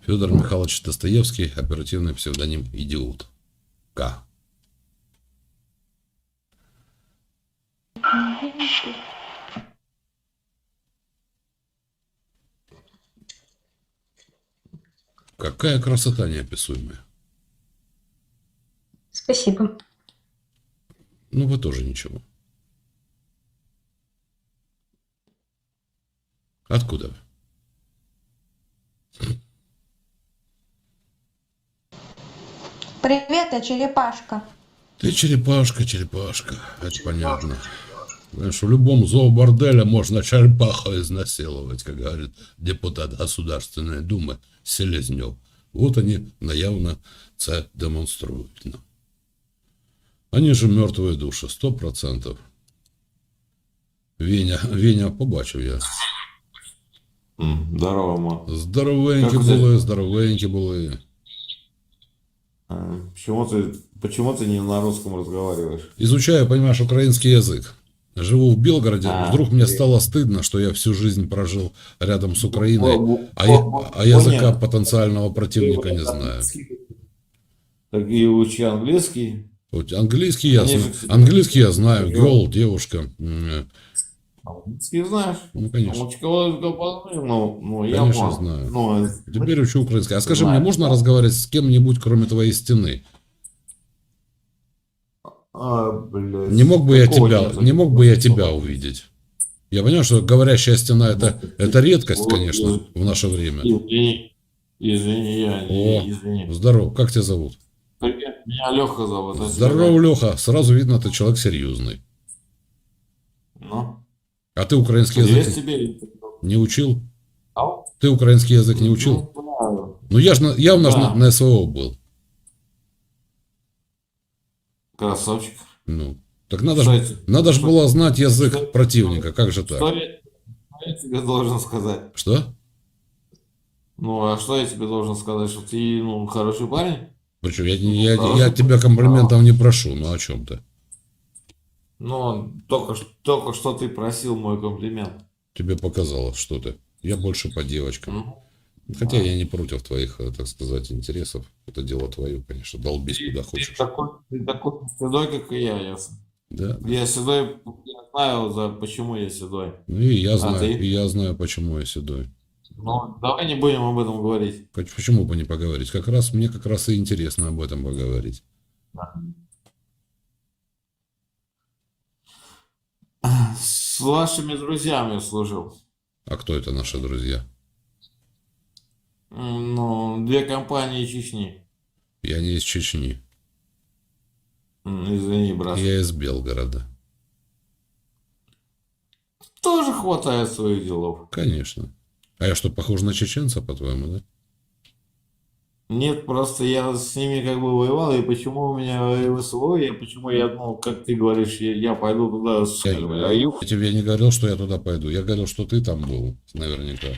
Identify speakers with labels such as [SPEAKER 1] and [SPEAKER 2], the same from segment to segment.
[SPEAKER 1] Федор Михайлович Достоевский, оперативный псевдоним Идиот. К. Какая красота неописуемая.
[SPEAKER 2] Спасибо.
[SPEAKER 1] Ну, вы тоже ничего. Откуда вы?
[SPEAKER 2] Привет, я черепашка.
[SPEAKER 1] Ты черепашка, черепашка. Это понятно. Знаешь, в любом зооборделе можно черепаху изнасиловать, как говорит депутат Государственной Думы Селезнев. Вот они наявно це демонструють. Они же мертвые души, 100%. Веня, побачив я.
[SPEAKER 3] Здорово, ма.
[SPEAKER 1] Здоровенькі були.
[SPEAKER 3] Почему ты не на русском разговариваешь?
[SPEAKER 1] Изучаю, понимаешь, украинский язык. Живу в Белгороде. Вдруг мне стало стыдно, что я всю жизнь прожил рядом с Украиной, а языка потенциального противника не знаю.
[SPEAKER 3] Так и учи английский.
[SPEAKER 1] Английский я знаю. Girl, девушка.
[SPEAKER 3] Английский знаешь?
[SPEAKER 1] Ну, конечно.
[SPEAKER 3] Конечно,
[SPEAKER 1] знаю. Теперь учу украинский. А скажи мне, можно разговаривать с кем-нибудь, кроме твоей стены? Не мог бы я тебя увидеть? Я понимаю, что говорящая стена это редкость, конечно, в наше время.
[SPEAKER 3] Извини.
[SPEAKER 1] Здорово, как тебя зовут?
[SPEAKER 3] Привет, меня Леха зовут.
[SPEAKER 1] Здорово, Леха. Сразу видно, ты человек серьезный.
[SPEAKER 3] Ну?
[SPEAKER 1] А ты украинский язык не учил? Ты украинский язык не учил? Ну я же явно на СВО был.
[SPEAKER 3] Красавчик.
[SPEAKER 1] Ну, так надо же было знать язык противника, как же так?
[SPEAKER 3] Что я тебе должен сказать?
[SPEAKER 1] Что?
[SPEAKER 3] Ну, а что я тебе должен сказать? Что ты, хороший парень?
[SPEAKER 1] Причем я тебя комплиментов не прошу, ну о чем ты?
[SPEAKER 3] Ну, только что ты просил мой комплимент.
[SPEAKER 1] Тебе показалось что-то. Я больше по девочкам. Хотя я не против твоих, так сказать, интересов. Это дело твое, конечно. Долбись куда хочешь.
[SPEAKER 3] Ты такой седой, как и я, ясно?
[SPEAKER 1] Да.
[SPEAKER 3] Я седой, я знаю, почему я седой.
[SPEAKER 1] Ну и я знаю, почему я седой.
[SPEAKER 3] Ну, давай не будем об этом говорить.
[SPEAKER 1] Почему бы не поговорить? Мне как раз и интересно об этом поговорить.
[SPEAKER 3] С вашими друзьями служил.
[SPEAKER 1] А кто это наши друзья?
[SPEAKER 3] Ну, 2 компании Чечни.
[SPEAKER 1] Я не из Чечни.
[SPEAKER 3] Извини, брат.
[SPEAKER 1] Я из Белгорода.
[SPEAKER 3] Тоже хватает своих делов.
[SPEAKER 1] Конечно. А я что, похож на чеченца, по-твоему, да?
[SPEAKER 3] Нет, просто я с ними как бы воевал, и почему у меня СВО, почему я, как ты говоришь, я пойду туда с...
[SPEAKER 1] Я тебе не говорил, что я туда пойду. Я говорил, что ты там был, наверняка.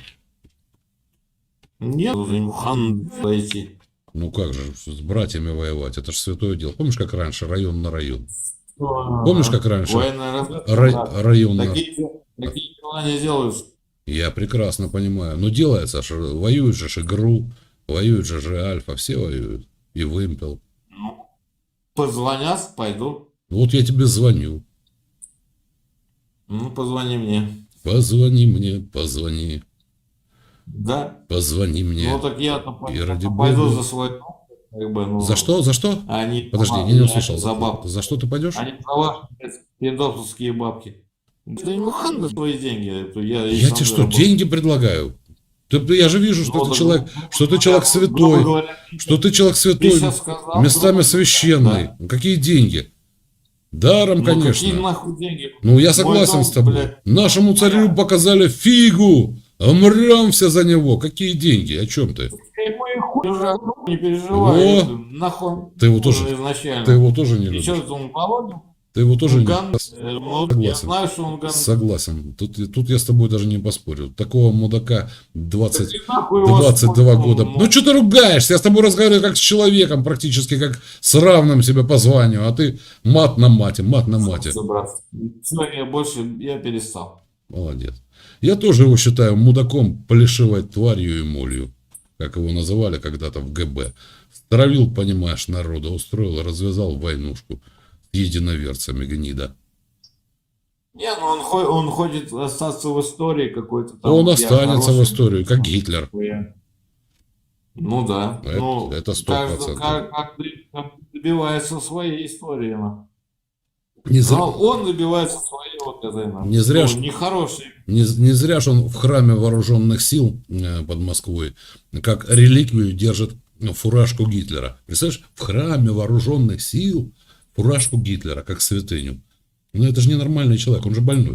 [SPEAKER 3] Нет, не хан пойти.
[SPEAKER 1] Ну как же, с братьями воевать? Это же святое дело. Помнишь, как раньше, район на район? Помнишь, как раньше? Район на...
[SPEAKER 3] Такие дела не делаются.
[SPEAKER 1] Я прекрасно понимаю. Но делается, что воюют же ГРУ, воюют же Альфа, все воюют. И Вымпел.
[SPEAKER 3] Ну, позвонят, пойду.
[SPEAKER 1] Вот я тебе звоню.
[SPEAKER 3] Ну, позвони мне.
[SPEAKER 1] Позвони мне, позвони.
[SPEAKER 3] Да?
[SPEAKER 1] Позвони мне.
[SPEAKER 3] Ну, так я-то
[SPEAKER 1] пойду
[SPEAKER 3] Бога за свой...
[SPEAKER 1] За что? За что? Подожди, я не услышал.
[SPEAKER 3] За бабки.
[SPEAKER 1] За что ты пойдешь?
[SPEAKER 3] Они за ваши пиндосовские бабки. Да не хан на твои деньги.
[SPEAKER 1] Я тебе что, деньги предлагаю? Я же вижу, что ты человек святой. Что ты человек святой, местами священный. Какие деньги? Даром, конечно.
[SPEAKER 3] Какие нахуй деньги?
[SPEAKER 1] Ну, я согласен с тобой. Блядь. Нашему царю показали фигу. Умрем все за него. Какие деньги? О чем ты?
[SPEAKER 3] Не переживай. Нахуй.
[SPEAKER 1] Ты его тоже не любишь. Ты его тоже не... Согласен.
[SPEAKER 3] Я знаю, что он ган...
[SPEAKER 1] Согласен. Тут я с тобой даже не поспорю. Такого мудака 22 года. Ну что ты ругаешься? Я с тобой разговариваю как с человеком, практически как с равным себе по званию. А ты мат на мате.
[SPEAKER 3] Все, я перестал.
[SPEAKER 1] Молодец. Я тоже его считаю мудаком, плешивой тварью и молью. как его называли когда-то в ГБ. Стравил, понимаешь, народа, устроил, развязал войнушку с единоверцами, гнида.
[SPEAKER 3] Не, ну он хочет остаться в истории какой-то там.
[SPEAKER 1] Он
[SPEAKER 3] Я
[SPEAKER 1] останется в
[SPEAKER 3] хороший,
[SPEAKER 1] историю, как Гитлер.
[SPEAKER 3] Ну да. Ну,
[SPEAKER 1] Это 100%.
[SPEAKER 3] как добивается своей истории.
[SPEAKER 1] Не зря,
[SPEAKER 3] Но он добивается своей вот этой,
[SPEAKER 1] не зря, ж-
[SPEAKER 3] нехорошей.
[SPEAKER 1] не зря же он в храме вооруженных сил под Москвой, как реликвию держит фуражку Гитлера. Представляешь, в храме вооруженных сил фуражку Гитлера, как святыню. Ну это же ненормальный человек, он же больной.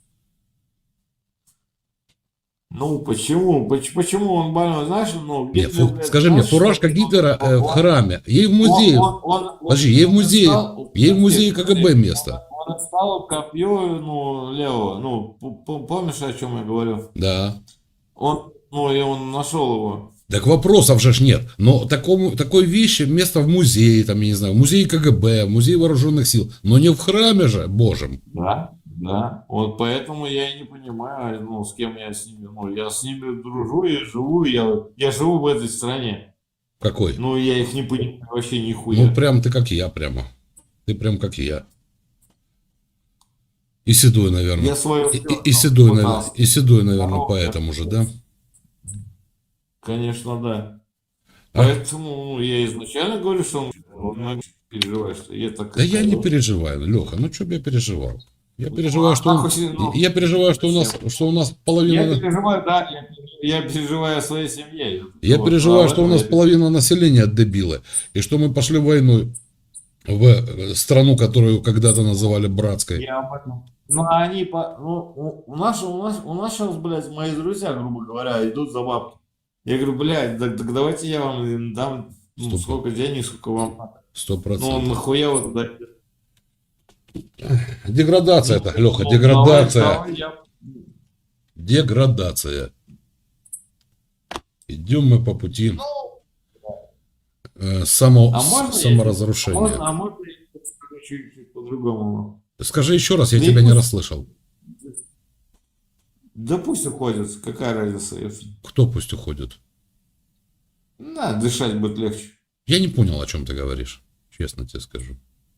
[SPEAKER 3] Ну, почему? Почему он больной? Знаешь, ну,
[SPEAKER 1] Нет,
[SPEAKER 3] Гитлер, блядь,
[SPEAKER 1] скажи мне,
[SPEAKER 3] знаешь,
[SPEAKER 1] фуражка
[SPEAKER 3] что-
[SPEAKER 1] Гитлера в
[SPEAKER 3] он-
[SPEAKER 1] храме, ей в музее, подожди, ей в музее КГБ место.
[SPEAKER 3] Он отстал копье, ну, левого. Ну, помнишь, о чем я говорю?
[SPEAKER 1] Да.
[SPEAKER 3] И он нашел его.
[SPEAKER 1] Так вопросов же ж нет. Но такой вещи место в музее, там, я не знаю, в музее КГБ, в музее вооруженных сил. Но не в храме же, божьем.
[SPEAKER 3] Да, да. Вот поэтому я и не понимаю, ну, с кем я с ними. Ну, я с ними дружу и живу, я живу в этой стране.
[SPEAKER 1] Какой?
[SPEAKER 3] Ну, я их не понимаю вообще
[SPEAKER 1] Ну,
[SPEAKER 3] нихуя.
[SPEAKER 1] прям ты как я, прямо. Ты прям как я. И седой, наверное.
[SPEAKER 3] Я свое
[SPEAKER 1] И седой, наверное,
[SPEAKER 3] пытался.
[SPEAKER 1] поэтому же, да?
[SPEAKER 3] Конечно, да.
[SPEAKER 1] А?
[SPEAKER 3] Поэтому я изначально говорю, что он переживает, что я так.
[SPEAKER 1] Да я не переживаю, Леха, ну что бы я переживал? Я переживаю, что я переживаю, что у нас
[SPEAKER 3] Я
[SPEAKER 1] половина.
[SPEAKER 3] переживаю, да, я переживаю о своей семье.
[SPEAKER 1] Я
[SPEAKER 3] Вот,
[SPEAKER 1] переживаю,
[SPEAKER 3] а
[SPEAKER 1] что у
[SPEAKER 3] в
[SPEAKER 1] нас
[SPEAKER 3] этом
[SPEAKER 1] половина населения дебилы, и что мы пошли войну в страну, которую когда-то называли братской.
[SPEAKER 3] я об этом. Ну, а они у нас сейчас, блядь, мои друзья, грубо говоря, идут за бабки. Я говорю, блядь, так давайте я вам дам сколько денег, сколько вам надо.
[SPEAKER 1] 100%.
[SPEAKER 3] Ну, нахуя вот это.
[SPEAKER 1] Деградация это, Леха,
[SPEAKER 3] Ну,
[SPEAKER 1] деградация.
[SPEAKER 3] давай
[SPEAKER 1] Деградация. Идем мы по пути саморазрушения.
[SPEAKER 3] А можно я скажу чуть по-другому?
[SPEAKER 1] Скажи еще раз, я
[SPEAKER 3] Да
[SPEAKER 1] тебя
[SPEAKER 3] и
[SPEAKER 1] не
[SPEAKER 3] пусть-
[SPEAKER 1] расслышал.
[SPEAKER 3] Да пусть уходят, какая разница, если.
[SPEAKER 1] Кто пусть уходит?
[SPEAKER 3] На, дышать будет легче.
[SPEAKER 1] Я не понял, о чем ты говоришь. Честно тебе скажу.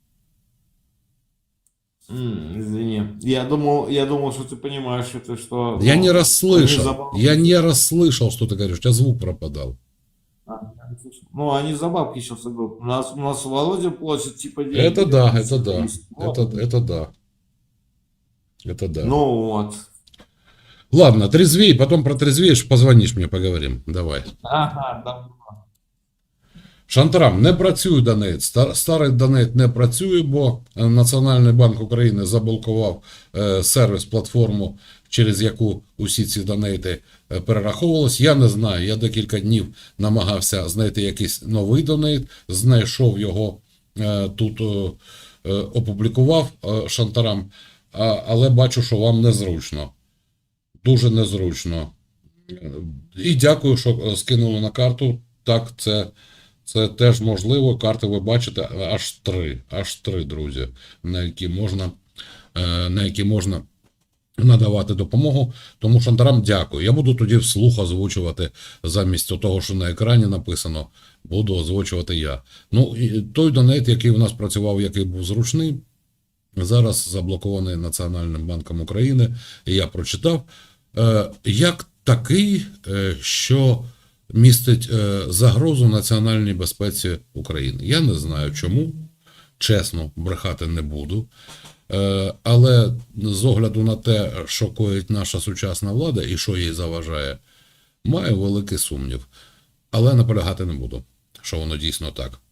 [SPEAKER 3] Извини. Я думал, что ты понимаешь, что.
[SPEAKER 1] Я
[SPEAKER 3] ну,
[SPEAKER 1] не
[SPEAKER 3] они
[SPEAKER 1] расслышал.
[SPEAKER 3] за-
[SPEAKER 1] Я не расслышал, что ты говоришь. У тебя звук пропадал.
[SPEAKER 3] Я не слышал. Ну, они за бабки сейчас идут. У нас Володя платит типа деньги.
[SPEAKER 1] Это да, это да.
[SPEAKER 3] Вот.
[SPEAKER 1] Это да. Это да.
[SPEAKER 3] Ну вот.
[SPEAKER 1] Ладно, трезвей, потом протрезвеешь, позвонишь мне, поговорим. Давай.
[SPEAKER 3] Ага, да.
[SPEAKER 1] Шантарам, не працює Донейт. Старий Донейт не працює, бо Національний банк України заблокував сервіс, платформу, через яку усі ці донейти перераховувались. Я не знаю, я декілька днів намагався знайти якийсь новий донейт, знайшов його, тут опублікував Шантарам, але бачу, що вам незручно. Дуже незручно. І дякую, що скинули на карту. Так, це теж можливо. Карти ви бачите, аж три, друзі, на які можна надавати допомогу. Тому Шантарам дякую. Я буду тоді вслух озвучувати замість того, що на екрані написано, буду озвучувати я. Ну, і той донейт, який у нас працював, який був зручний, зараз заблокований Національним банком України, і я прочитав, як такий, що містить загрозу національній безпеці України. Я не знаю чому, чесно, брехати не буду, але з огляду на те, що коїть наша сучасна влада і що їй заважає, маю великий сумнів. Але наполягати не буду, що воно дійсно так.